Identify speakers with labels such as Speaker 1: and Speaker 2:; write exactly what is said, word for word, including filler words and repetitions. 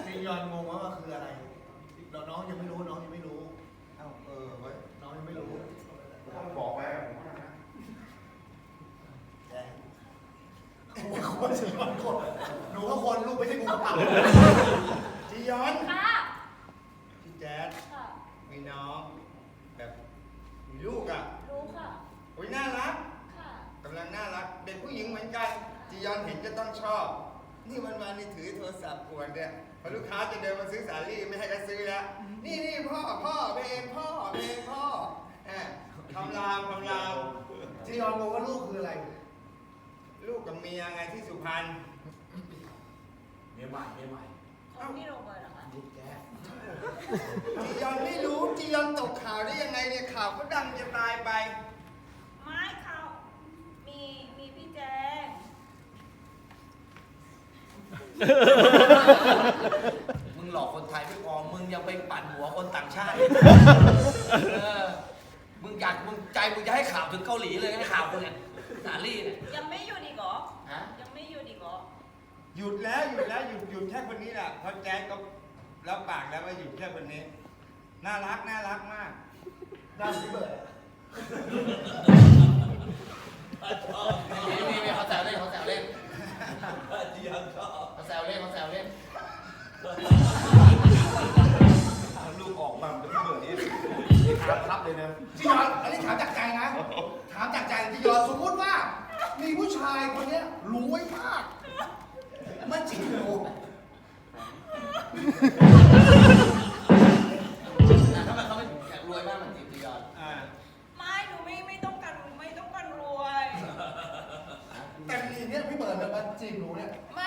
Speaker 1: จียอนงงว่าคืออะไรเราน้องยังไม่รู้น้องยังไม่รู้เอ้าเออไว้น้องยังไม่รู้
Speaker 2: ต้องบอกไปผมว่านะ
Speaker 1: แจ๊คนจียอนคนหนูก็คนลูกไม่ใช่กูกระเป๋าจียอน
Speaker 3: ค่ะ
Speaker 1: พี่แจ๊ด
Speaker 3: ค่ะ
Speaker 1: มีน้องแบบมีลูกอ่ะ
Speaker 3: รู้ค่ะ
Speaker 1: โอ้ยน่ารัก
Speaker 3: ค่ะ
Speaker 1: กำลังน่ารักเด็กผู้หญิงเหมือนกันจียอนเห็นจะต้องชอบนี่วันวันนี่ถือโทรศัพท์กวนเนี่ยพอลูกค้าจะเดินมาซื้อสาลี่ไม่ให้ก็ซื้อแล้วนี่นี่พ่อพ่อเพลงพ่อเพลงพ่อแหมคำรามคำรามจียอนบอกว่าลูกคืออะไร ลูกกับเมียไงที่สุพรรณ
Speaker 2: เมียใหม่เมียใหม่
Speaker 3: ของพี่โรเบิร์ตเหรอคะ
Speaker 2: ลูกแก
Speaker 1: จียอนไม่รู้จียอนตกข่าวได้ยังไงเนี่ยข่าวก็ดังจะตายไป
Speaker 3: ไม่เขามีมีพี่แจง
Speaker 4: มึงหลอกคนไทยไม่พอมึงยังไปปั่นหัวคนต่างชาติเออมึงอยากมึงใจมึงจะให้ข่าวถึงเกาหลีเลยให้ข่าวคนเนี่ยสาลี่เนี่ย
Speaker 3: ยังไม่หยุดอีกเหรอ
Speaker 4: ฮะ
Speaker 3: ยังไม่หยุดอีกเหรอ
Speaker 1: หยุดแล้วหยุดแล้วหยุดหยุดแค่คนนี้แหละเพราะแจ๊คก็รับปากแล้วว่าหยุดแค่คนนี้น่ารักน่ารักมากน่าพี่เบิร์ด
Speaker 4: มีมีมีเขาแซวเล่นเขาแซวเล่น
Speaker 2: จียอนชอบ
Speaker 4: เขาแซวเล่นเขาแซวเล่น
Speaker 2: ลูกออกมาเป็นพี่เบิร์ดนี่ถามครับเลยนะ
Speaker 1: จียอนอันนี้ถามจากใจนะ ถามจากใจจียอนสมมติว่า มีผู้ชายคนเนี้ยรวยมากมันจริงเหรอ
Speaker 4: ทำไมเขาไม่อยากรวยมากเหมือนจีจียอน
Speaker 1: อ่า
Speaker 3: ไม่หนูไม่ไม่ต้องการไม่ต้องการรวย
Speaker 1: แต่ทีเนี้ยพี่เบิร์ดเนี่ยมันจีบหนูเนี่ย
Speaker 3: ไม่